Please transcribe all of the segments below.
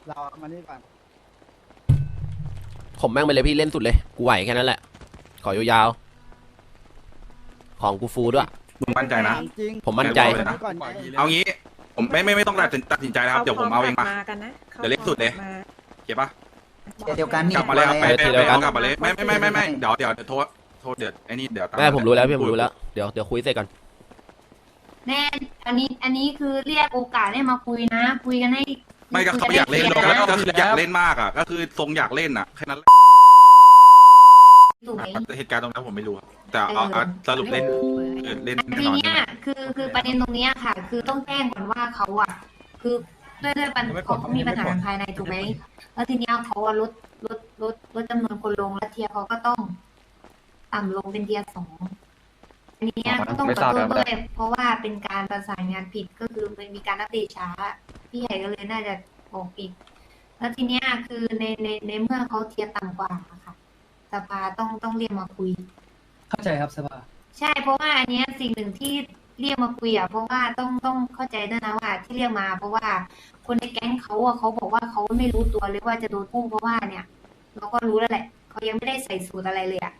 เรามานี่ก่อนผมแม่งไปเลยพี่เล่นสุดเลยกูไหวแค่นั้นแหละขอยาวๆของกูฟูด้วยมึงมั่นใจนะถามจริงผมมั่นใจก่อนไงเอางี้ผมไม่ต้องตัดสินใจนะครับเดี๋ยวผมเอาเองมาเดี๋ยวเล็กสุดเลยเก็บปะเดียวกันนี่กลับมาเลยครับไปเดี๋ยวกันกลับมาเลยไม่เดี๋ยวโทษเดี๋ยวไอ้นี่เดี๋ยวแม่ผมรู้แล้วพี่ผมรู้แล้วเดี๋ยวคุยเสร็จก่อนแน่อันนี้คือเรียกโอกาสให้มาคุยนะ คุยกันให้ไม่ก็เขาอยากเล่นก็คืออยากเล่นมากอ่ะก็คือทรงอยากเล่นอ่ะแค่นั้นถูกไหมเหตุการณ์ตรงนั้นผมไม่รู้ครับแต่เอาสรุปเล่นเล่นแน่ทีนอนเนี้ยคือประเด็นตรงเนี้ยค่ะ คือต้องแจ้งก่อนว่าเขาอ่ะ คือด้วยปัญหาเขามีปัญหาภายในถูกไหมแล้วทีเนี้ยเขาลดจำนวนคนลงแล้วเทียร์เขาก็ต้องต่ำลงเป็นเทียร์2อันนี้ก็ต้องขอโทษด้วยเพราะว่าเป็นการประสานงานผิดก็คือมันมีการอัปเดตช้าพี่ใหญ่ก็เลยน่าจะบอกผิดแล้วทีเนี้ยคือในเมื่อเขาเทียร์ต่ำกว่าค่ะสภาต้องเรียกมาคุยเข้าใจครับสภาใช่เพราะว่าอันเนี้ยสิ่งหนึ่งที่เรียกมาคุยอ่ะเพราะว่าต้องเข้าใจด้วยนะว่าที่เรียกมาเพราะว่าคนในแก๊งเขาอ่ะเขาบอกว่าเขาไม่รู้ตัวเลยว่าจะโดนพุ่งเพราะว่าเนี่ย เราก็รู้แล้วแหละเขายังไม่ได้ใส่สูตรอะไรเลยอ่ะ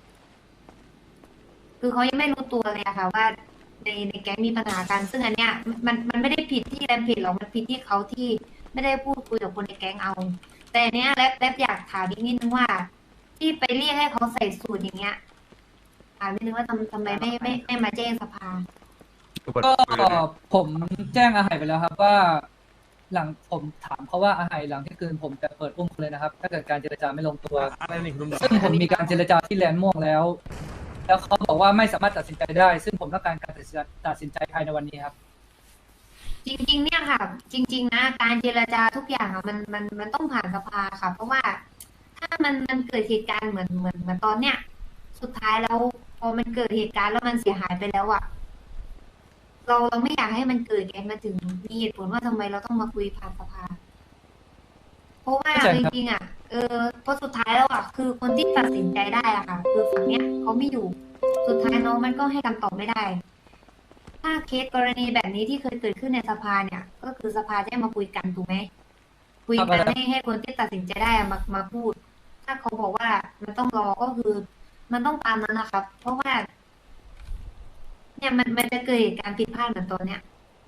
คือเขายังไม่รู้ตัวเลยอะค่ะว่าในแก๊งมีปัญหากันซึ่งอันเนี้ยมันไม่ได้ผิดที่แรมผิดหรอกมันผิดที่เขาที่ไม่ได้พูดคุยกับคนในแก๊งเอา แต่อันเนี้ยแรปอยากถามอีกนิดนึงว่า ที่ไปเรียกให้เขาใส่สูตรอย่างเงี้ยถามนิดนึงว่าทำไมไม่มาแจ้งสภาก็ผมแจ้งอาไหยไปแล้วครับว่า หลังผมถามเขาว่าอาไหยหลังที่คืนผมจะเปิดอุ้มคุณเลยนะครับถ้าเกิดการเจรจาไม่ลงตัวซึ่งผมมีการเจรจาที่แลนด์ม่วงแล้ว แล้วเขาบอกว่าไม่สามารถตัดสินใจได้ ซึ่งผมต้องการการตัดสินใจภายในวันนี้ครับจริงๆเนี่ยค่ะ จริง ๆ นะการเจรจาทุกอย่างอะมันต้องผ่านสภาค่ะ เพราะว่าถ้ามันเกิดเหตุการณ์เหมือนตอนเนี้ยสุดท้ายแล้วพอมันเกิดเหตุการณ์แล้วมันเสียหายไปแล้วอะเราไม่อยากให้มันเกิดไงมาถึงมีเหตุผลว่าทำไมเราต้องมาคุยผ่านสภา เพราะว่าเข้าใจจครับริงๆอะเพราะสุดท้ายแล้วอะคือคนที่ตัดสินใจได้อะค่ะ คือฝั่งเนี้ยเขาไม่อยู่สุดท้ายน้องมันก็ให้คำตอบไม่ได้ ถ้าเคสกรณีแบบนี้ที่เคยเกิดขึ้นในสภาเนี่ย ก็คือสภาจะมาคุยกันถูกไหมคุยกันให้คนที่ตัดสินใจได้มาพูด ถ้าเขาบอกว่ามันต้องรอก็คือ มันต้องตามนั้นนะครับ เพราะว่า เนี่ยมันจะเกิดเหตุการณ์ผิดพลาดเหมือนตอนเนี้ย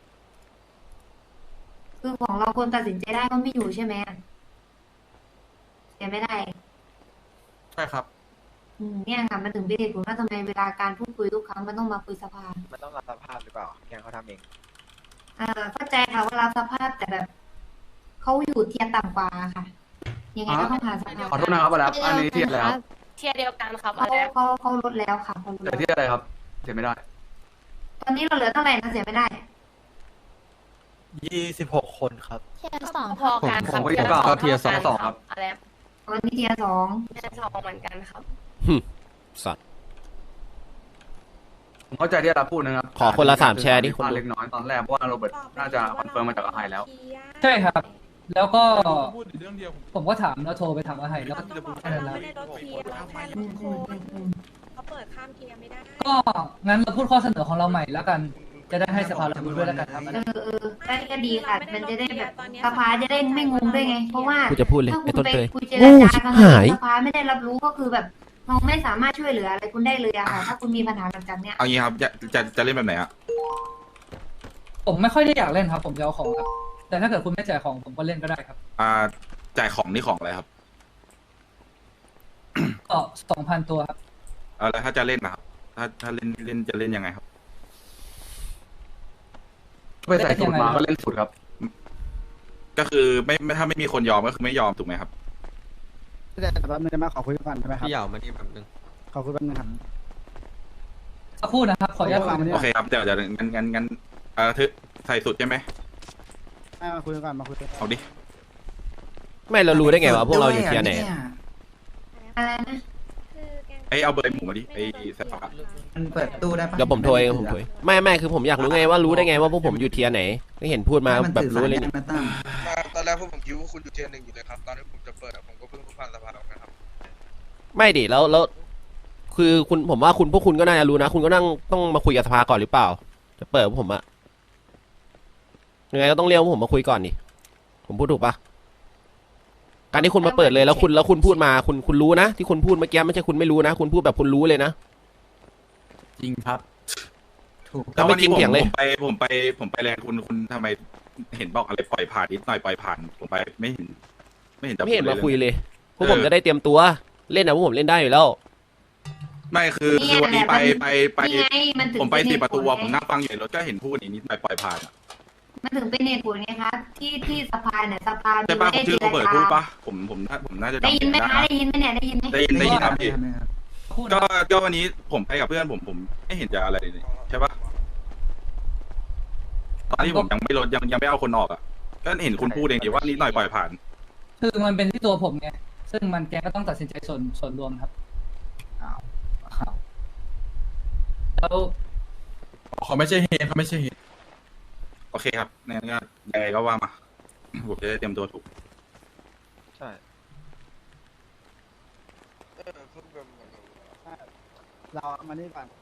คือของเราคนตัดสินใจได้ก็ไม่อยู่ใช่ไหมเสียไม่ได้ใช่ครับเนี่ยค่ะมันถึงเป็นเหตุผลว่าทำไมเวลาการพูดคุยทุกครั้งมันต้องมาคุยสภามันต้องรับสภาพหรือเปล่าแกเขาทำเองเข้าใจค่ะว่ารับสภาพแต่แบบเขาอยู่เทียร์ต่ำกว่าค่ะ ยังไงก็ต้องผ่านสภาขอโทษนะครับอะไรครับอันนี้เทียบแล้วเทียร์เดียวกันครับเขาลดแล้วค่ะเขาลดแต่แล้วที่อะไรครับเสียไม่ได้ตอนนี้เราเหลือเท่าไหร่นะเสียไม่ได้ 26 คนครับเทียร์2พอกันครับผมก็อยู่กับเทียร์สองครับอะไรวันนี้เทียร์2 เทียร์2เหมือนกันครับสัตว์ผมเข้าใจที่เราพูดนะครับขอคนละ3แชร์ดิคนดูเล็กน้อยตอนแรกเพราะว่าโรเบิร์ตน่าจะคอนเฟิร์มมาจากอาไฮแล้วใช่ครับ แล้วก็พูดเรื่องเดียวผมก็ถามแล้วโทรไปถามอาไหยแล้วก็ต้องบอกแค่ว่านั้นเราแล้วไม่ได้ลดเทียร์เราแค่ลดโทษเขาเปิดข้ามเทียร์ไม่ได้ก็งั้นเราพูดข้อเสนอของเราใหม่แล้วกัน จะได้ให้สภาเราดูด้วยแล้วกันครับก็ดีค่ะ มันจะได้แบบสภาจะได้ไม่งงด้วยไง เพราะว่ากูจะพูดเลยถ้าไอ้คุต้ณนไปเตยคุยเจรโง่จาชิบกันหายสภาไม่ได้รับรู้ก็คือแบบเราไม่สามารถช่วยเหลืออะไรคุณได้เลยอะค่ะ ถ้าคุณมีปัญหาหลังจากเนี้ยเอางี้ครับจะเล่นแบบไหนอ่ะผมไม่ค่อยได้อยากเล่นครับ ผมจะเอาของครับ แต่ถ้าเกิดคุณไม่จ่ายของผมก็เล่นก็ได้ครับจ่ายของนี่ของอะไรครับก็2,000 ตัวครับแล้วถ้าจะเล่นนะครับถ้าเล่นจะเล่นยังไงครับไปใส่สูตรมาก็เล่นสูตรครับก็คือไม่ถ้าไม่มีคนยอมก็คือไม่ยอมถูกไหมครับแต่แป๊บนึงได้ไหมขอคุยก่อนได้ไหมครับพี่เหยามานี่แบบนึงขอคุยแป๊บนึงครับสักครู่นะครับ ขออนุญาตฟังมานี่โอเคครับเดี๋ยวงั้นใส่สุดใช่ไหมให้มาคุยก่อนมาคุยก่อนเอาดิไม่เรารู้ได้ไงวะพวกเราอยู่เทียร์ไหนอะไรนะเอาเบอร์หมูมาดิสภามันเปิดตู้ได้ปะเดี๋ยวผมโทรเองผมโทรเองไม่คือผมอยากรู้ไงว่ารู้ได้ไงว่าพวกผมอยู่เทียร์ไหนก็เห็นพูดมาแบบรู้เลยนี่มันตั้งตอนแรกพวกผมคิดว่าคุณอยู่เทียร์หนึ่งอยู่เลยครับ ตอนที่ผมจะเปิดผมก็เพิ่งผ่านสภาออกนะครับไม่ดิแล้วคือคุณผมว่าพวกคุณก็น่าจะรู้นะ คุณก็ต้องมาคุยกับสภาก่อนหรือเปล่า จะเปิดพวกผมอะยังไงก็ต้องเรียกพวกผมมาคุยก่อนดิผมพูดถูกปะการที่คุณมาเปิดเลยแล้วคุณพูดมาคุณรู้นะที่คุณพูดเมื่อกี้ไม่ใช่คุณไม่รู้นะคุณพูดแบบคุณรู้เลยนะจริงครับ ถูกแล้ววันนี้ไม่จริงเถียงเลยผมไปแรงคุณทำไมเห็นบอกอะไรปล่อยผ่านนิดหน่อยปล่อยผ่านผมไปไม่เห็นจะไม่เห็นมาคุยเลยเลยพวกผมจะได้เตรียมตัวเล่นนะพวกผมเล่นได้อยู่แล้วไม่คือวันนี้ไปนี่ไงมันถึงผมไปเป็น 4 ประตูอะเหตุผลผมนั่งฟังอยู่ในรถก็เห็นพูดอย่างนี้ปล่อยผ่านอะมันถึงเป็นเหตุผลไงคะที่สภาเนี่ยสภาใช่ปะไม่ได้ชื่อเจโรรเบิร์ตจาพูดปะผมน่าจะได้จำยินไหมผิดคะนะได้ยินไหมเนี่ยได้ยินไหมได้ยินครับพี่พูดก็วันนี้ผมไปกับเพื่อนผมไม่เห็นจะอะไรเลยใช่ปะตอนที่ผมยังไม่ลดยังไม่เอาคนออกอ่ะก็เห็นคุณพูดเองดีว่านิดหน่อยปล่อยผ่านคือมันเป็นที่ตัวผมไงซึ่งมันแกก็ต้องตัดสินใจส่วนรวมครับแล้วเขาไม่ใช่เหตุเขาไม่ใช่เหตุโอเคครับงั้นก็ยังไงก็ว่ามา ผมจะได้เตรียมตัวถูกใช่เรามานี่ก่อน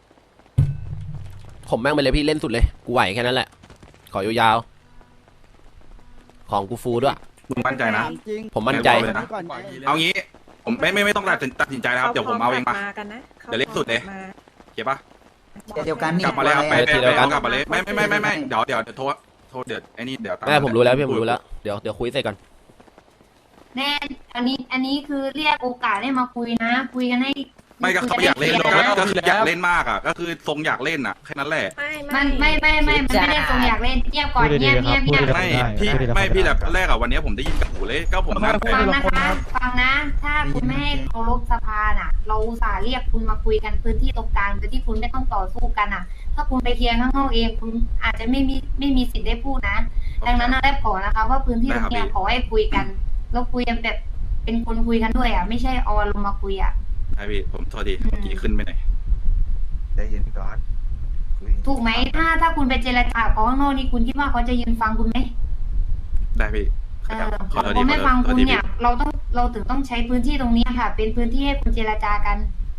ผมแม่งไปเลยพี่เล่นสุดเลยกูไหวแค่นั้นแหละขอยาวๆของกูฟูด้วยมึงมั่นใจนะถามจริงผมมั่นใจเลยนะก่อนไงเอางี้ ผมไม่ต้องตัดสินใจนะครับเดี๋ยวผมเอาเองมากันนะเดี๋ยวเล็กสุดเลย เก็บปะเดียวกันนี่กลับมาเลยครับไปทีเดียวกันกลับมาเลยไม่เดี๋ยวโทษเดี๋ยวไอ้นี่เดี๋ยวตามแม่ผมรู้แล้วพี่ผมรู้แล้วเดี๋ยวคุยเสร็จก่อนแน่อันนี้คือเรียกโอกาสให้มาคุยนะ คุยกันให้ไม่ก็เขาอยากเล่นคุยก็นคืออยากเล่นมากอ่ะก็คือทรงอยากเล่นอ่ะแค่นั้นแหละมันไม่มันไม่ได้ทรงอยากเล่นเงียบก่อนเงียบไม่พี่แบบแรกอ่ะวันนี้ผมได้ยินกับหูเลยก็ผมนั่งไปฟังนะคะฟังนะ ถ้าคุณไม่ให้เคารพสภาน่ะ เราอุตส่าห์เรียกคุณมาคุยกันพื้นที่ตรงกลางโดยที่คุณไม่ต้องต่อสู้กันอ่ะ ถ้าคุณไปเคลียร์ข้างนอกเองคุณอาจจะไม่มีสิทธิ์ได้พูดนะดังนั้นนะได้ขอนะคะ ว่าพื้นที่ตรงเนี้ยขอให้คุยกันแล้วคุยกันแบบเป็นคนคุยกันด้วยอ่ะไม่ใช่เอาอารมณ์มาคุยอ่ะใช่พี่ผมโทษทีเมื่อกี้ขึ้นไปหน่อยได้ยินก่อนถูกไหมถ้าคุณไปเจรจากับเขาข้างนอกนี่คุณคิดว่าเขาจะยืนฟังคุณไหมได้พี่เขาไม่ฟังคุณเนี่ย เราถึงต้องใช้พื้นที่ตรงนี้ค่ะ เป็นพื้นที่ให้คุณเจรจากัน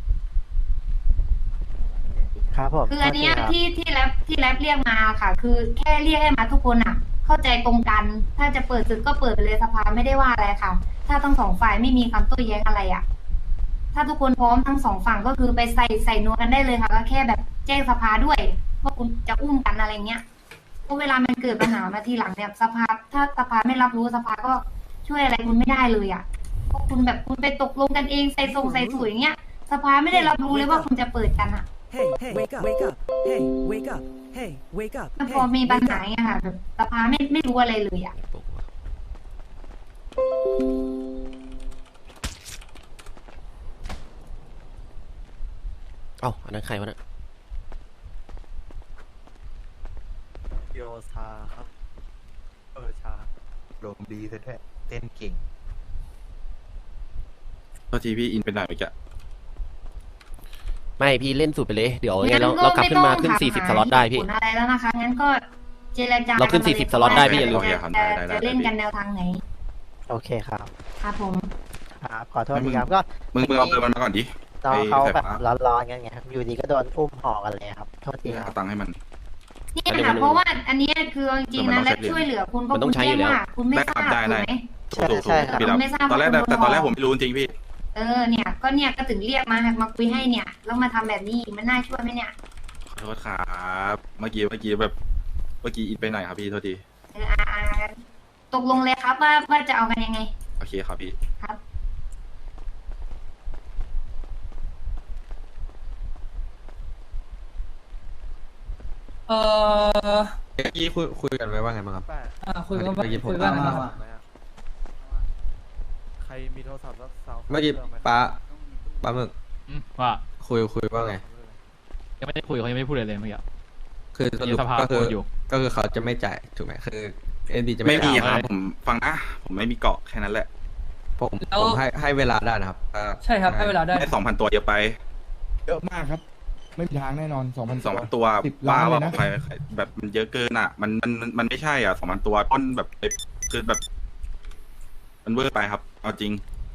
ครับผมคืออันเนี้ยที่แรปเรียกมาค่ะ คือแค่เรียกให้มาทุกคนอ่ะ เข้าใจตรงกัน ถ้าจะเปิดศึกก็เปิดไปเลยสภาไม่ได้ว่าอะไรค่ะ ถ้าทั้งสองฝ่ายไม่มีคำโต้แย้งอะไรอ่ะ ถ้าทุกคนพร้อมทั้งสองฝั่งก็คือไปใส่นัวกันได้เลยค่ะ ก็แค่แบบแจ้งสภาด้วยว่าคุณจะอุ้มกันอะไรเงี้ยเพราะเวลามันเกิดปัญหามาทีหลังเนี่ยสภาถ้าสภาไม่รับรู้สภาก็ช่วยอะไรคุณไม่ได้เลยอ่ะเพราะคุณแบบคุณไปตกลงกันเองใส่สูงอย่างเงี้ย สภาไม่ได้รับรู้เลยว่าคุณจะเปิดกันอ่ะ Hey, wake up, wake up. Hey, wake up. Hey, wake up. มันพอมีปัญหาไงค่ะแบบสภาไม่รู้อะไรเลยอ่ะเอ้าอันนั้นใครวะเนี่ยโยชาครับชาลมดีซะด้วยเต้นเก่งโทษทีพี่อินเป็นหน่อยเมื่อกี้ไม่พี่เล่นสุดไปเลยเดี๋ยวเรากลับขึ้นมาขึ้น40สล็อตได้พี่อะไรแล้วนะคะงั้นก็เจรจาเราขึ้น40สล็อตได้พี่อย่าลืมจะเล่นกันแนวทางไหนโอเคครับครับผมครับขอโทษทีครับก็มึงเอาเบอร์มันมาก่อนดิน้องเขาแบบร้อนๆกันไงครับอยู่ดีก็โดนอุ้มห่อกันเลยครับโทษทีครัเอาบตังค์ให้มันนี่ค่ะเพราะว่าอันนี้คือจริงๆนะและช่วยเหลือคุณเพราะคุณแจ้งว่าคุณไม่ทราบถูกไหมถูกพี่รับตอนแรกผมไม่รู้จริงพี่เนี่ยก็ถึงเรียกมาคุยให้เนี่ยแล้วมาทำแบบนี้มันน่าช่วยไหมเนี่ยขอโทษครับเมื่อกี้แบบเมื่อกี้อินไปหน่อยครับพี่โทษทีตกลงเลยครับว่าจะเอากันยังไงโอเคครับพี่ครับเมื่อกี้คุยกันไว้ว่าไงบ้างครับคุยกันเมื่อกี้ผมคุยกันนะครับใครมีโทรศัพท์แล้วสาวเมื่อกี้ป้าหมึกว่าคุยว่าไงยังไม่ได้คุยเขายังไม่ได้พูดเลยเมื่อกี้คือสรุปสภาก็คือพูดอยู่ก็คือเขาจะไม่จ่ายถูกไหมคือเอ็นดีจะไม่มีจ่ายครับผมฟังนะผมไม่มีเกาะแค่นั้นแหละผมให้เวลาได้นะครับใช่ครับให้เวลาได้ได้ 2,000 ตัวเยอะไปเยอะมากครับ ไม่มีทางแน่นอน2,000 ตัว 10 บ้าล้านเลว่ายนะใครแบบมันเยอะเกินอ่ะ มันไม่ใช่อ่ะ2,000 ตัวต้นแบบคือแบบ มันเวอร์ไปครับ เอาจริง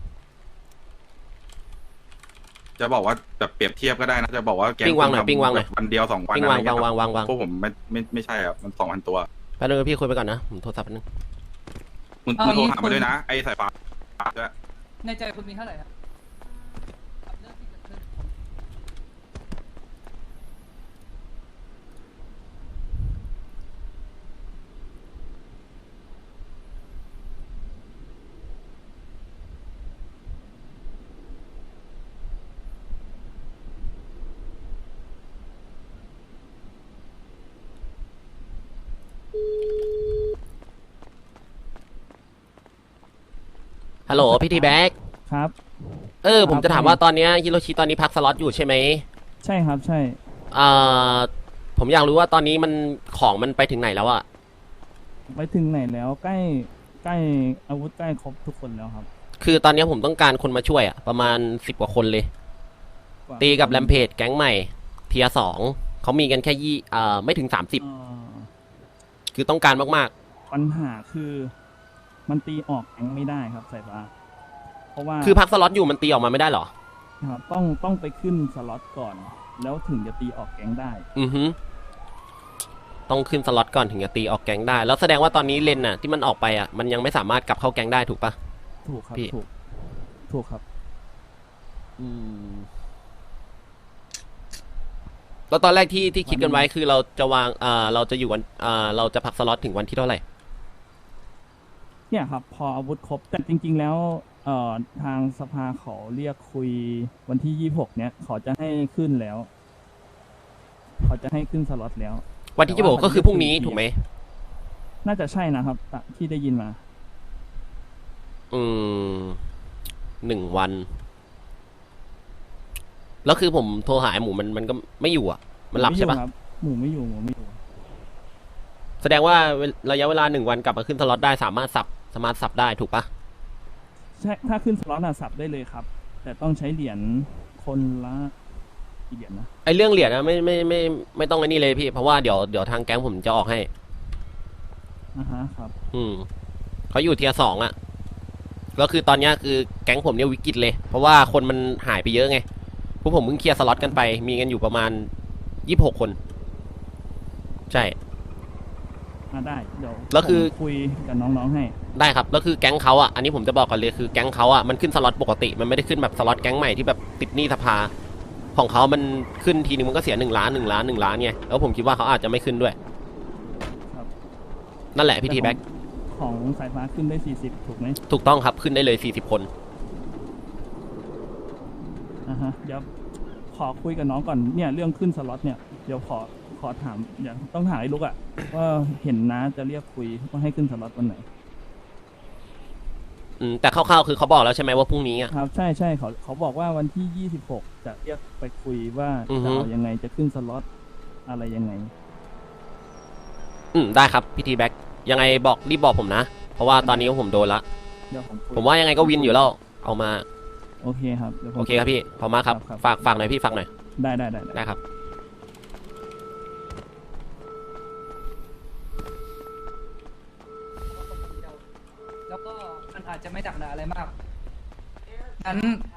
จะบอกว่าแบบเปรียบเทียบก็ได้นะจะบอกว่าแกปิ้งวางหน่อยปิ้งวางหน่อยวันเดียว2 วันปิ้งอะไรวางเงี้ยวางวางวางพวกผมไม่ใช่อ่ะมัน 2,000 ตัวแป๊บนึงพี่คุยไปก่อนนะผมโทรศัพท์แป๊บนึงมึงโทรหามาด้วยนะไอ้สายฟ้าปากด้วยในใจคุณมีเท่าไหร่ครับกับเรื่องที่เกิดขึ้นฮัลโหลพี่ทีแบ็กครับผมจะถามว่าตอนเนี้ยฮิโรชิตอนนี้พักสล็อตอยู่ใช่ไหมใช่ครับใช่ผมอยากรู้ว่าตอนนี้มันของมันไปถึงไหนแล้วอะไปถึงไหนแล้วใกล้อาวุธใกล้ครบทุกคนแล้วครับคือตอนนี้ผมต้องการคนมาช่วยอะประมาณ10 กว่าคนเลย ตีกับแรมเพจแก๊งใหม่เทียสองเขามีกันแค่ไม่ถึง30คือต้องการมากปัญหาคือมันตีออกแก๊งไม่ได้ครับสายฟ้าเพราะว่าๆคือพักสล็อตอยู่มันตีออกมาไม่ได้เหรอครับต้องไปขึ้นสล็อตก่อน แล้วถึงจะตีออกแก๊งได้อือฮึต้องขึ้นสล็อตก่อนถึงจะตีออกแก๊งได้ แล้วแสดงว่าตอนนี้เลนน่ะที่มันออกไปอ่ะมันยังไม่สามารถกลับเข้าแก๊งได้ถูกปะถูกครับพี่ถูกครับแล้วตอนแรกที่คิดกันไว้คือเราจะวางเราจะอยู่วันเราจะพักสล็อตถึงวันที่เท่าไหร่เนี่ยครับพออาวุธครบแต่จริง ๆ แล้วทางสภาเขาเรียกคุยวันที่26เนี่ยเขาจะให้ขึ้นแล้วเขาจะให้ขึ้นสล็อตแล้ววันที่จะบอกก็คือพรุ่งนี้ถูกไหมน่าจะใช่นะครับที่ได้ยินมา 1 วัน แล้วคือผมโทรหาหมูมันก็ไม่อยู่อ่ะ มันหลับใช่ปะหมูไม่อยู่แสดงว่าระยะเวลา1 วันกลับมาขึ้นสล็อตได้สามารถสับได้ถูกปะใช่ถ้าขึ้นสล็อตสับได้เลยครับ แต่ต้องใช้เหรียญคนละกี่เหรียญนะไอเรื่องเหรียญนะไม่ต้องไอ้นี่เลยพี่เพราะว่าเดี๋ยวทางแก๊งผมจะออกให้ครับเขาอยู่เทียร์ 2อ่ะก็คือตอนเนี้ยคือแก๊งผมเนี่ยวิกฤตเลย เพราะว่าคนมันหายไปเยอะไงพวกผมเพิ่งเคลียร์สล็อตกันไปมีกันอยู่ประมาณ26 คน ใช่ได้เดี๋ยวแล้วคือคุยกับน้องๆให้ได้ครับแล้วคือแก๊งเขาอ่ะอันนี้ผมจะบอกก่อนเลยคือแก๊งเขาอ่ะมันขึ้นสล็อตปกติมันไม่ได้ขึ้นแบบสล็อตแก๊งใหม่ที่แบบติดหนี้สภาของเขามันขึ้นทีนึงมันก็เสีย1 ล้านไงแล้วผมคิดว่าเขาอาจจะไม่ขึ้นด้วยครับนั่นแหละพี่ทีแบ็กของสายฟ้าขึ้นได้40ถูกไหมถูกต้องครับขึ้นได้เลย40 คนเดี๋ยวขอคุยกับน้องก่อนเนี่ยเรื่องขึ้นสล็อตเนี่ยเดี๋ยวขอถามอย่างต้องถามไอ้ลูกอะว่าเห็นน้าจะเรียกคุยว่าให้ขึ้นสล็อตวันไหนแต่คร่าวๆคือเขาบอกแล้วใช่ไหมว่าพรุ่งนี้อ่ะครับใช่เขาบอกว่าวันที่26จะเรียกไปคุยว่าจะเอายังไงจะขึ้นสล็อตอะไรยังไงได้ครับพี่ทีแบ็กยังไงรีบบอกผมนะเพราะว่าตอนนี้ผมโดนละเดี๋ยวผมว่ายังไงก็วินอยู่แล้วเอามาโอเคครับเดี๋ยวผมโอเคครับพี่ขอบมากครับฝากหน่อยพี่ฝากหน่อยได้ครับแล้วก็มันอาจจะไม่ดักหนาอะไรมากงั้น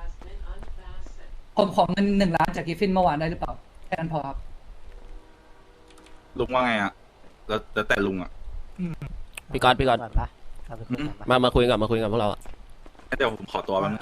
ผมขอเงิน1 ล้านจากกิฟฟินเมื่อวานได้หรือเปล่าแค่นั้นพอครับลุงว่าไงอ่ะแล้วแต่ลุงอ่ะพี่กอนก่อนปะเอาไปคุยกันปะมาคุยกันพวกเราอะเดี๋ยวผมขอตัวแป๊บนึง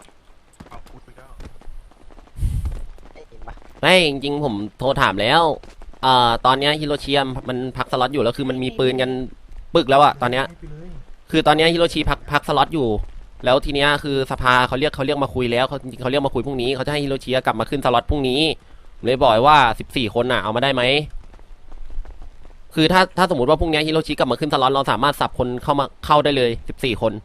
ได้ยินปะไม่จริงๆผมโทรถามแล้วตอนเนี้ยฮิโรชิมันพักสล็อตอยู่แล้วคือมันมีปืนกันปึกแล้วอะตอนเนี้ยคือตอนเนี้ยฮิโรชิพักสล็อตอยู่แล้วทีเนี้ยคือสภาเขาเรียกมาคุยแล้วจริงๆเขาเรียกมาคุยพรุ่งนี้เขาจะให้ฮิโรชิกลับมาขึ้นสล็อตพรุ่งนี้ผมเลยบอกว่า14 คนน่ะเอามาได้ไหมคือถ้าสมมติว่าพรุ่งนี้ฮิโรชิกลับมาขึ้นสล็อตเราสามารถสับคนเข้าได้เลย14 คน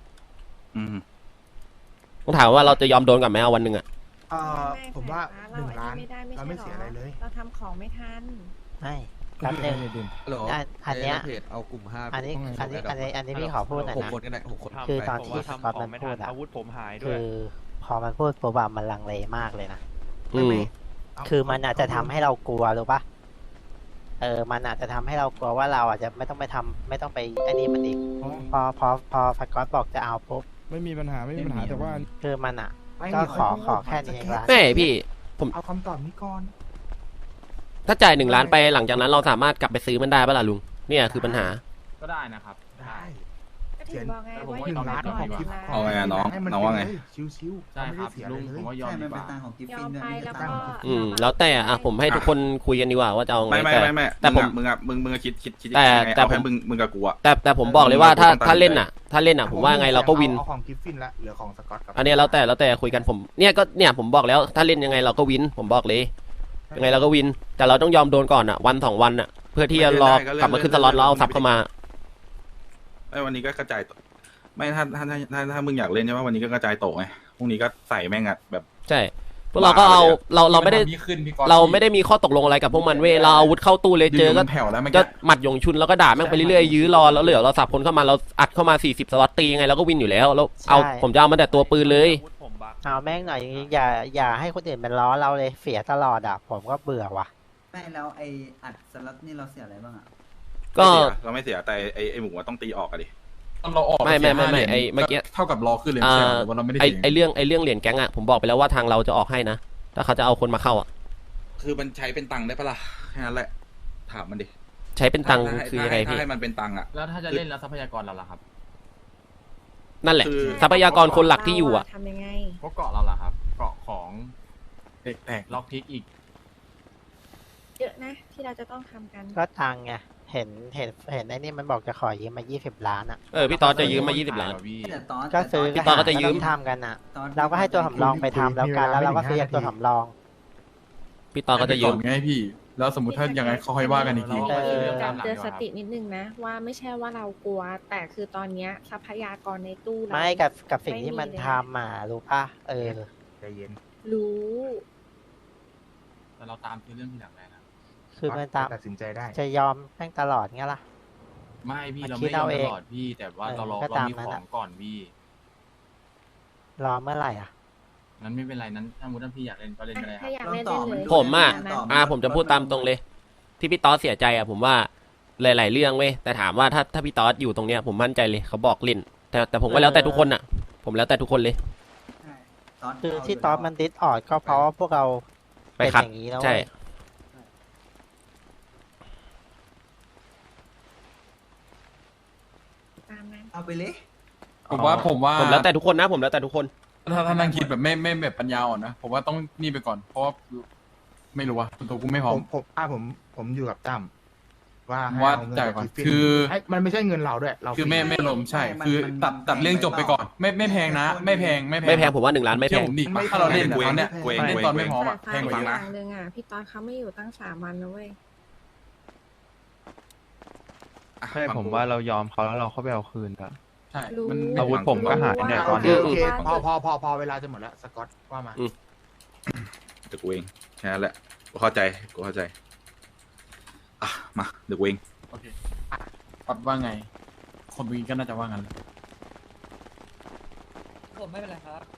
ต้องถามว่าเราจะยอมโดนกับไหมเอาวันหนึ่งอะผมว่า1 ล้านเราไม่เสียอะไรเลยเราทำของไม่ทันไม่แป๊บนึงอันเนี้ยเอากลุ่ม5 อันนี้พี่ขอพูดหน่อยนะ 6 คนกันได้6 คนคือตอนที่สกอตมันพูดอะอาวุธผมหายด้คืวยอพอมันพูดปุ๊บอะมันลังเลมากเลยนะคือมันอาจจะทำให้เรากลัวรู้ปะมันอาจจะทำให้เรากลัวว่าเราอาจจะไม่ต้องไปไอ้นี่มันอีกพอสกอตบอกจะเอาปุ๊บไม่มีปัญหาแต่ว่าคือมันอะก็ขอแค่นี้เองละไม่พี่ผมเอาคำตอบนี้ก่อนถ้าจ่าย1 ล้านไปหลังจากนั้นเราสามารถกลับไปซื้อมันได้ปะล่ะลุงเนี่ยคือปัญหาก็ได้นะครับได้ถึงบอกไงผมว่าว่าอยู่ 1 ล้านก่ขออน งกิฟต์เอาไงอะน้องให้มัน้องว่าไงปเลยชิวๆใช่เขาไม่คได้รับเสียอะลุไรง เลยผมว่ายอมดีกว่ายอมไปแล้วก็แล้วแต่ผมให้ทุกคนคุยกันดีกว่าว่าจะเอาไงไม่แต่ผมมึงอะคิดแต่ยังไงแต่เอาแค่ผมมึงกับกูอะแต่ผมบอกเลยว่าถ้าต้องตัดถ้าเล่นใจถ้าเล่นผมว่าไงเราก็วินเอาของกิฟฟินละเหลือของสกอตกับอันเนี้ยแล้วแต่คุยกันผมเนี่ยผมบอกแล้วถ้าเล่นยังไงเราก็วินผมบอกเลยยังไงเราก็วิน แต่เราต้องยอมโดนก่อนวัน2 วันเพื่อที่จะรอกลับมาขึ้นสล็อตแล้วเอาซับเข้ามาไอ้วันนี้ก็กระจายโต๊ะไม่ถ้ามึงอยากเล่นใช่ไหมวันนี้ก็กระจายโต๊ะไงพรุ่งนี้ก็ใส่แม่งอะแบบใช่พวกเราก็เอาเราไม่ได้นทำนี่ขึ้นพี่ก๊อตเราไม่ได้มีข้อตกลงอะไรกับพวกมันเว้ยเราเอาอาวุธเข้าตู้เลยเจออยู่ก็มันแผ่วแล้วเมื่อก็กี้หมัดหยงชุนแล้วก็ด่าแม่งไปเรื่อยๆยื้อรอแล้วเหลือเราสับคนเข้ามาเราอัดเข้ามา40 สล็อตตียังไงเราก็วินอยู่แล้วแล้วเอาใช่ผมจะเอามาแต่ตัวปืนเลยเอาแม่งหน่อยอย่าให้คนอื่นเป็นล้อเราเลยเสียตลอดผมก็เบื่อว่ะไม่แล้วไออัดสล็อตนี่เราเสียอะไรบ้างอ่ะก็เราไม่เสียแต่ไอ้หมูอะต้องตีออกอะดิตอนเราออกไม่เสีย5 ไอ้หรียญเมื่อกี้เท่ากับรอขึ้นเลยไม่ใช่เหรอหรือว่าเราไม่ได้เสียไอเรื่องเหรียญแก๊งผมบอกไปแล้วว่าทางเราจะออกให้นะถ้าเขาจะเอาคนมาเข้าคือมันใช้เป็นตังค์ได้ปะล่ะแค่นั้นแหละถามมันดิใช้เป็นตังค์คือยังไงถ้าพี่ให้มันเป็นตังค์อะแล้วถ้าจะเล่นแล้วทรัพยากรเราล่ะครับนั่นแหละคือทรัพยากรคนหลักที่อยู่ทำยังไงพวกเกาะเราล่ะครับ เกาะของแตกล็อกพิกอีกเยอะนะที่เราจะต้องทำกันก็ตังค์ไงเห็นไอ้นี่มันบอกจะขอยืมมา20 ล้านพี่ตอสจะยืมมา20 ล้านแต่ตอนก็ซื้อพี่ตอนก็จะยืมทำกันเราก็ให้ตัวสำรองไปทำแล้วกันแล้วเราก็ซื้อจากตัวสำรองพี่ตอสก็จะยืมไงพี่ แล้วสมมติถ้ายังไงเขาค่อยว่ากันอีกทีการเตือนสตินิดนึงนะ ว่าไม่ใช่ว่าเรากลัว แต่คือตอนเนี้ยทรัพยากรในตู้เราไม่กับสิ่งที่มันทำรู้ป่ะใจเย็นรู้แต่เราตามคือเรื่องที่หลังเลยนะคือมันตามตัดสินใจได้จะยอมแม่งตลอดเงี้ยล่ะไม่พี่มันเราคิไม่ดยอเอามเอตงลอดพี่ แต่ว่าเราก็เราตามมีนั้นของก่อนพี่รอเมื่อไหร่นั้นไม่เป็นไรนั้นถ้ามุดพี่อยากเล่นก็เล่นก็ได้คถ้ารับอยากเล่นเล่นเลยผมจะพูดตามตรงเลย ที่พี่ตอสเสียใจผมว่าหลายๆเรื่องเว้ยแต่ถามว่าถ้าพี่ตอสอยู่ตรงเนี้ยผมมั่นใจเลยเขาบอกเล่นแต่ผมก็แล้วแต่ทุกคนผมแล้วแต่ทุกคนเลยคือที่ตอสมันดิสออดก็เพราะว่าพวกเราไปเป็นขัดอย่างนี้แล้วใช่ตามนั้นเอาไปเลยผมว่าผมแล้วแต่ทุกคนนะผมแล้วแต่ทุกคนถ้านั่งคิดแบบไม่แบบปัญญาอ่อนนะผมว่าต้องนี่ไปก่อนเพราะว่าไม่รู้ว่าตัวกูไม่พร้อมผมอยู่กับตั้มว่าว่าจ่ายก่อนคือมันไม่ใช่เงินเราด้วยเราคือไม่ลมใช่ คือตัดเรื่องจบไปก่อน ไม่แพงนะ ไม่แพงไม่แพงผมว่า1 ล้านไม่แพงผมดิถ้าเราเล่นตอนเนี้ยเล่เล่นตอนไม่พร้อมอะแพงกว่าอเยอะย่างหนึ่งพี่ตอนเขาไม่อยู่ตั้ง3 วันนะเว้ยใช่ผมว่าเรายอมเขาแล้วเราเข้าไปเอาคืนอะใช่รู้อาวุธผมก็หายเนี่ยตอนโอนี้เคพอเวลาจะหมดแล้วสกอตว่ามาเดี๋ยวกูเองแค่นั้นแหละกูเข้าใจมาเดี๋ยวกูเองโอเคปัดว่าไง คนเมื่อกี้ก็น่าจะว่างั้นผมไม่เป็นไรครับ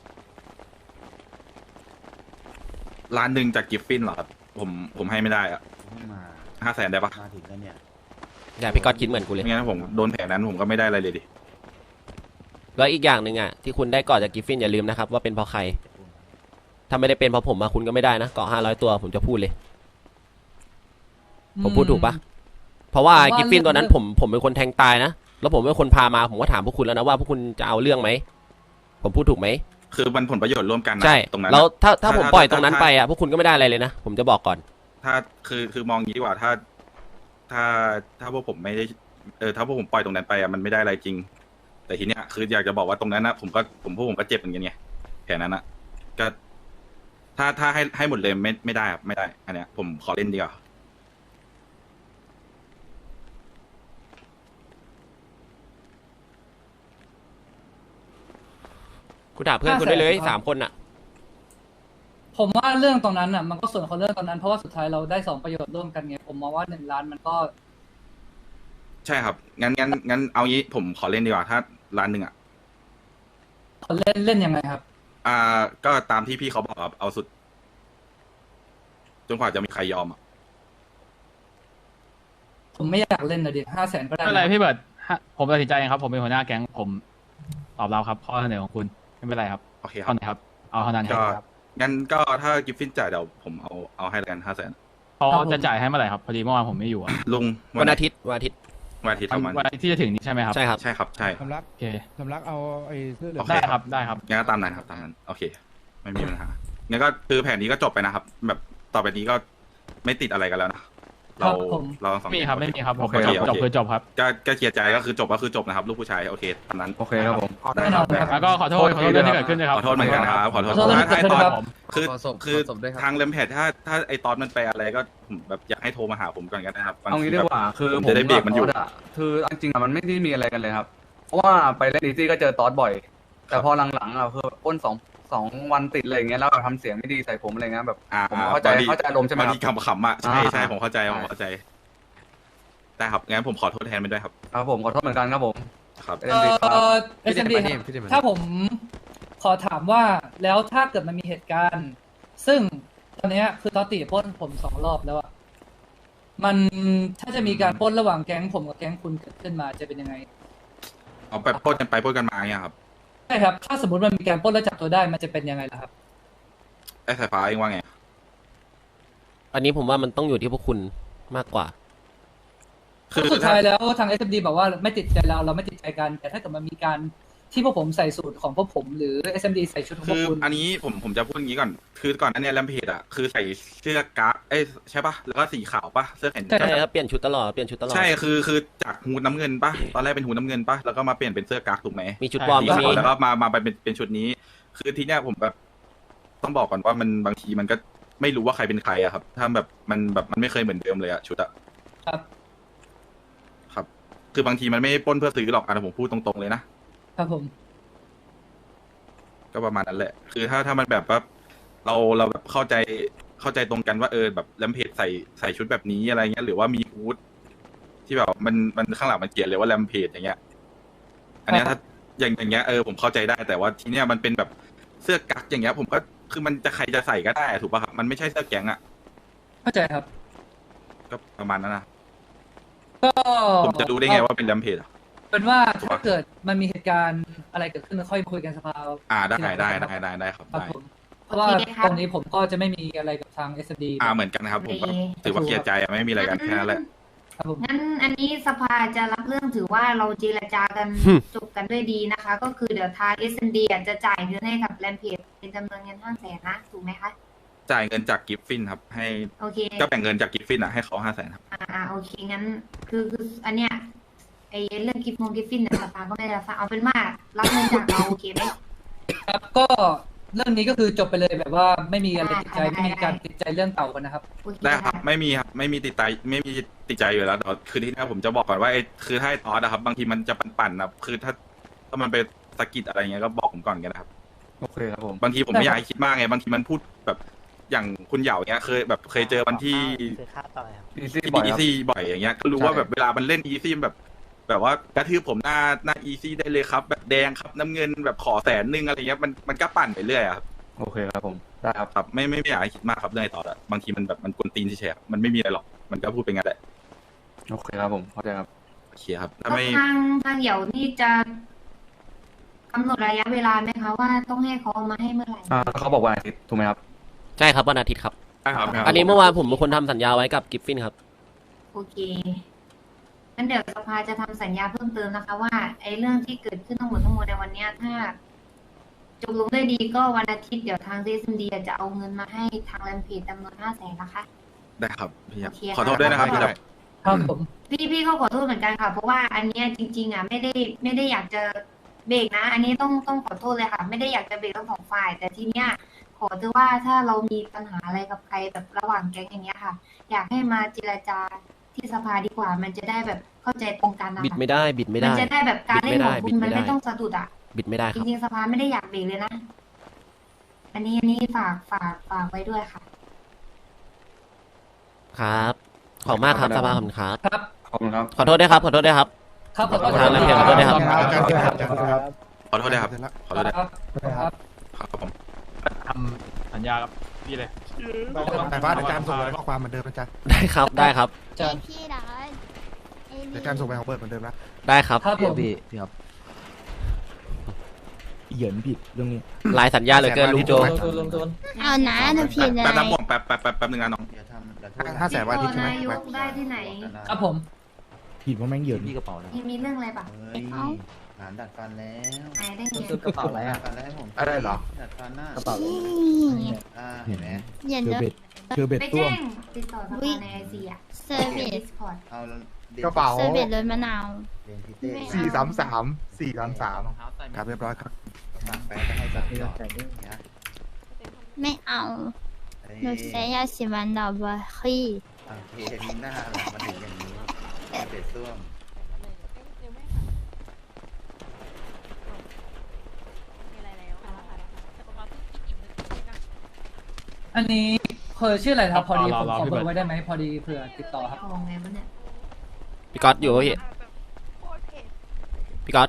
ล้านหนึ่งจากกิฟฟินเหรอครับผมให้ไม่ได้อะ500,000ได้ปะมาถึงแล้วเนี่ยอย่าพี่ก๊อตคิดเหมือนกูเลยไม่งั้นผมโดนแผลนั้นผมก็ไม่ได้อะไรเลยดิแล้วอีกอย่างหนึ่งที่คุณได้เกาะจากกิฟฟินอย่าลืมนะครับว่าเป็นเพราะใครถ้าไม่ได้เป็นเพราะผมคุณก็ไม่ได้นะเกาะ500 ตัวผมจะพูดเลย ผมพูดถูกปะเพราะว่ากิฟฟินตัวนั้นผมเป็นคนแทงตายนะแล้วผมเป็นคนพามาผมก็ถามพวกคุณแล้วนะว่าพวกคุณจะเอาเรื่องไหมผมพูดถูกไหมคือมันผลประโยชน์ร่วมกันนะใช่ตรงนั้นแล้วถ้าผมปล่อยตรงนั้นไปพวกคุณก็ไม่ได้อะไรเลยนะผมจะบอกก่อนถ้าคือมองงี้ดีกว่าถ้าพวกผมไม่ได้ถ้าพวกผมปล่อยตรงนั้นไปมันไม่ได้อะไรจริง แต่ทีเนี้ยคืออยากจะบอกว่าตรงนั้นนะพวกผมก็เจ็บเหมือนกันไงแผลนั้นนะก็ถ้าให้หมดเลยไม่ได้ครับไม่ได้อันเนี้ยผมขอเล่นดีกว่าคุณถามเพื่อนคุณได้เลย3 คนผมว่าเรื่องตรงนั้นมันก็ส่วนของเรื่องตรงนั้นเพราะว่าสุดท้ายเราได้2 ประโยชน์ร่วมกันไงผมมองว่า1 ล้านมันก็ใช่ครับงั้นเอางี้ผมขอเล่นดีกว่าถ้าล้านหนึ่งเล่นยังไงครับก็ตามที่พี่เขาบอกเอาสุดจนกว่าจะมีใครยอมผมไม่อยากเล่นนะดิ500,000ก็ได้ไม่เป็นไรพี่เบิร์ดผมตัดสินใจเองครับผมเป็นหัวหน้าแก๊งผมตอบรับครับข้อเสนอของคุณไม่เป็นไรครับโอเคคเท่ารับไหร่ครับเอาเท่านั้นครับงั้นก็ถ้ากิฟฟินจ่ายเดี๋ยวผมเอาให้แล้วกัน500,000 เขาจะจ่ายให้เมื่อไหร่ครับพอดีเมื่อวานผมไม่อยู่อะลุงวันอาทิตย์วันอาทิตย์ประมาณวันที่จะถึงนี้ใช่ไหมครับใช่ครับใช่ครับใช่สำลักโอเคสำลักเอาไอ้เสื้อเหลืองได้ครับได้ครับงั้นก็ตามนั้นครับตามนั้นโอเค ไม่มีปัญหางั้นก็คือแผนนี้ก็จบไปนะครับ แบบต่อไปนี้ก็ไม่ติดอะไรกันแล้วนะเราทั้งสองไม่มีครับไม่มีครับโอเคจบคือจบครับก็เคลียร์ใจก็คือจบนะครับ ลูกผู้ชายโอเคตามนั้นโอเคครับผมได้แน่คน รัอบ นครับแล้วก็ขอโทษเรื่องที่เกิดขึ้นด้วยครับขอโทษเหมือนกันครับขอโทษขอโทษเรื่องที่เกิดขึ้นด้วยครับคือทางเลมแพดถ้าไอตอนมันไปอะไรก็ผมแบบอยากให้โทรมาหาผมก่อนกันนะครับเอางี้ดีกว่าคือผมจะได้เบรกมันอยู่คือจริงๆมันไม่ได้มีอะไรกันเลยครับ เพราะว่าไปเล่นอีซี่ก็เจอตอสบ่อย แต่พอหลังๆคือป้นสองวันติดเลยอย่างเงี้ยแล้วทำเสียงไม่ดีใส่ผมอะไรเงี้ยแบบผมเข้าใจอารมณ์ใช่ไหมบางครัทีขำๆอ่ะใช่ผมเข้าใจได้ครับงั้นผมขอโทษแทนไปด้วยครับครับผมขอโทษเหมือนกันครับผมครับ SMD ถ้าผมขอถามว่าแล้วถ้าเกิดมันมีเหตุการณ์ ซึ่งตอนเนี้ยคือตอติปล้นผม2 รอบแล้วอะมันถ้าจะมีการปล้นระหว่างแก๊งผมกับแก๊งคุณเกิดขึ้นมาจะเป็นยังไงเอาไปปล้นกันไปปล้นกันมาเนี่ยครับใช่ครับ ถ้าสมมติมันมีการปล้นแล้วจับตัวได้มันจะเป็นยังไงล่ะครับไอ้สายฟ้าเองว่าไงอันนี้ผมว่ามันต้องอยู่ที่พวกคุณมากกว่าคือสุดท้ายแล้วทาง SMD บอกว่าไม่ติดใจเราไม่ติดใจกัน แต่ถ้าเกิดมันมีการที่พวกผมใส่สูตรของพวกผมหรือ SMD ใส่ชุดของพคืวกอคุณอันนี้ผมจะพูดอย่างนี้ก่อนคือก่อนอันเนี้ยแรมเพจอ่ะคือใส่เสื้อกราฟใช่ปะแล้วก็สีขาวปะเสื้อแขนใช่ครับเปลี่ยนชุดตลอดเปลี่ยนชุดตลอดใช่คือจากฮูดน้ำเงินปะตอนแรกเป็นฮูดน้ำเงินปะแล้วก็มาเปลี่ยนเป็นเสื้อกราฟถูกไหมมีชุดวอร์มสีก็ขามีวแล้วก็มาเป็นชุดนี้ คือทีเนี้ยผมแบบต้องบอกก่อนว่ามันบางทีมันก็ไม่รู้ว่าใครเป็นใครอะครับ ถ้าแบบมันไม่เคยเหมือนเดิมเลยอะชุดอะครับครับ คือบางทีมันไม่ได้ปล้นเพื่อซื้อหรอกอันผมพูดตรงๆเลยนะครับผมก็ประมาณนั้นแหละ คือถ้ามันแบบว่าเราแบบเข้าใจตรงกันว่าแบบแรมเพจใส่ชุดแบบนี้อะไรเงี้ยหรือว่ามีฮูดที่แบบมันข้างหลังมันเขียนเลยว่าแรมเพจอย่างเงี้ย อันเนี้ยถ้าอย่างเงี้ยผมเข้าใจได้แต่ว่าทีเนี้ยมันเป็นแบบเสื้อกั๊กอย่างเงี้ยผมก็คือมันจะใครจะใส่ก็ได้ถูกป่ะครับมันไม่ใช่เสื้อแก๊งอ่ะเข้าใจครับก็ประมาณนั้นนะก็ผมจะรู้ได้ไงว่าเป็นแรมเพจเป็นว่าถ้าเกิดมันมีเหตุการณ์อะไรเกิดขึ้นค่อยคุยกันสภาได้ครับครับได้ผมเพราะว่าตรงนี้ผมก็จะไม่มีอะไรกับทาง SMD เหมือนกันครับผมก็ถือว่าเคลียร์ใจอะไม่มีอะไรกันแค่นั้นแหละงั้นอันนี้สภาจะรับเรื่องถือว่าเราเจรจากัน จบกันด้วยดีนะคะ ก็คือเดี๋ยวทาง SMD จะจ่ายเงินให้กับแรมเพจเป็นจำนวนเงิน500,000นะถูกไหมคะจ่ายเงินจากกิฟฟินครับให้โอเคก็แบ่งเงินจากกิฟฟินให้เขา500,000ครับโอเคงั้นคืออันเนี้ยไอเรื่องกิฟฟินเนี่ยสภาก็ไม่ได้รับเอาเป็นว่ารับเงินจากเราโอเคไหมครับก็เรื่องนี้ก็คือจบไปเลยแบบว่าไม่มีอะไรติดใจไม่มีการติดใจเรื่องเก่ากันนะครับได้ครับไม่มีครับไม่มีติดใจอยู่แล้วแต่คือที่นี่ผมจะบอกก่อนว่าคือถ้าไอ้ตอสนะครับบางทีมันจะปั่นๆนะคือถ้ามันไปสะกิดอะไรเงี้ยก็บอกผมก่อนกันนะครับโอเคครับผมบางทีผมไม่อยากให้คิดมากไงบางทีมันพูดแบบอย่างคุณเหยาเงี้ยเคยเจอวันที่ซื้อข้าวต่อเลยครับอีซี่บ่อยครับอีซี่บ่อยอย่างเงี้ยก็รู้ว่าแบบเวลามันเล่นอีซี่แบบว่ากระทืบผมหน้าอีซี่ได้เลยครับแบบแดงครับน้ำเงินแบบขอ100,000อะไรเงี้ยมันก็ปั่นไปเรื่อยครับโอเคครับผมได้ครับครับไม่อยากให้คิดมากครับเรื่องไอ้ต่อละบางทีมันแบบมันกวนตีนเฉยๆมันไม่มีอะไรหรอกมันก็พูดไปงั้นแหละโอเคครับผมเข้าใจครับโอเคครับถ้าแล้วไม่ทางเหยานี่จะกำหนดระยะเวลาไหมคะว่าต้องให้เขามาให้เมื่อไหร่เขาบอกวันอาทิตย์ถูกไหมครับใช่ครับวันอาทิตย์ครับครับอันนี้เมื่อวานผมเป็นคนทำสัญญาไว้กับกิฟฟินครับโอเคงั้นเดี๋ยวสภาจะทำสัญญาเพิ่มเติมนะคะ ว่าไอ้เรื่องที่เกิดขึ้นทั้งหมดในวันเนี้ยถ้าจบลงด้วยดีก็วันอาทิตย์เดี๋ยวทาง DSMD จะเอาเงินมาให้ทางแรมเพจจำนวน500,000นะคะได้ครับพี่ครับโอเคขอโทษด้วยนะครับพี่ครับครับผมพี่ก็ขอโทษเหมือนกันค่ะ เพราะว่าอันเนี้ยจริงๆไม่ได้อยากจะเบรกนะ อันนี้ต้องขอโทษเลยค่ะ ไม่ได้อยากจะเบรกทั้งสองฝ่าย แต่ทีเนี้ยขอถือว่าถ้าเรามีปัญหาอะไรกับใครแบบระหว่างแก๊งอย่างเงี้ยค่ะ อยากให้มาเจรจาที่สภาดีกว่า มันจะได้แบบเข้าใจตรงกันนะคะบิดไม่ได้มันจะได้แบบการเล่นของคุณมันไม่ต้องสะดุดอ่ะบิดไม่ได้คจรับริงๆสภาไม่ได้อยากเบรกเลยนะ อันนี้ฝากไว้ด้วยค่ะครับขอบมากครับสภาขอบคุณครับครับขอบคุณครับขอโทษด้วยครับขอโทษด้วยครับครับขอโทษทางแรมเพจขอโทษด้วยครับขอโทษด้วยครับขอโทษด้วยครับครับครับผมทำสัญญากับพี่เลยแต่ว่าเดี๋ยวการส่งข้อความเหมือนเดิมนะจ๊ะได้ครับได้ครับจะพี่ดอนเดี๋ยวการส่งไปของเบิร์ดเหมือนเดิมนะได้ครับครับผมพี่ครับเหยินผิดเรื่องนี้ลายสัญญาเหลือเกินลุงโจเอานะถ้าผิดอะไรแป๊บนะผมแป๊บนึงนะน้อง 500,000 วันอาทิตย์ใช่ไหมนายกได้ที่ไหนครับผมผิดว่าแม่งเหยินพี่กระเป๋าแล้วมีเรื่องอะไรปะหานดัดฟันแล้วไหนได้ไงกระเป๋าอะไรอ่ะฟันแล้วให้ผมอะไรเหรอดัดฟันหน้ากระเป๋าเห็นไหมอย่าเจอเลิเบ็ดเจอเบ็ดไปต้วแจ้มงติดต่อสภาในไอซีอะเซอร์วิส Discord เอากระเป๋าเซอร์วิสรถมะนาวเรียนพิเต้ 433ครับเรียบร้อยครับฝากแป๊ะไปให้สักต่อนะไม่เอาหนูแค่อยากสิวันดอกบัวขี้โอเคมีหน้าหลังมาถึงอย่างนี้เบ็ดต้วมอันนี้เคยชื่ออะไรครับพอดีผมรอขอพี่เบเบิอร์ดร์ไว้ได้ไหมพอดีเผื่อติดต่อครับของไงวะเนี่ยพี่ก๊อตอยู่ปะพี่ก๊อต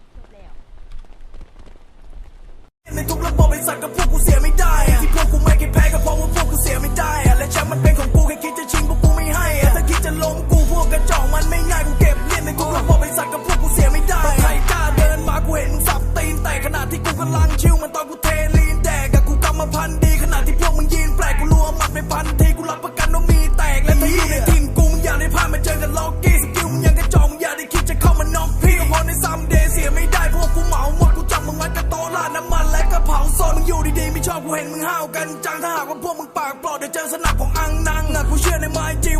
ในทุกระบบไอ้สัตว์กับพวกกูเสียไม่ได้อะที่พวกกูไม่เคยแพ้ก็เพราะว่าพวกกูเสียไม่ได้อะและแชมป์มันเป็นของกูแค่คิดจะชิงพวกกูไม่ให้อะถ้าคิดจะล้มกูพวกกระจอกมันไม่ง่ายกูเก็บเลียนในทุกระบบไอ้สัตว์กับพวกกูเสียไม่ได้ใครกล้าเดินมากูเห็นมึงสับตีนแต่ขณะที่กูกำลังชิวมันตอนกูเทลีนแดกกับกูกำมาพันดีขณะที่พวกมึงยืนแปลกกูรัวมันไม่พันทีกูรับประกันว่ามีแตกและถ้าอยู่ในทีมกูมึงอย่าได้พลาดมาเจอกันล็อกกี้สกิลมึงยังกระจอกมึงอย่าได้คิดจะเข้ามาน็อกพี่ก็พอในซัมเดย์เสียไม่ได้พวกกูเหมาหมดกูจับมึงไว้กับโต๊ะราดน้ำมันและกระเผาโซนมึงอยู่ดีๆไม่ชอบกูเห็นมึงห้าวกันจังถ้าหากว่าพวกมึงปากปลอดเดี๋ยวเจอสนับของอังนังอะกูเชื่อในไม้จริง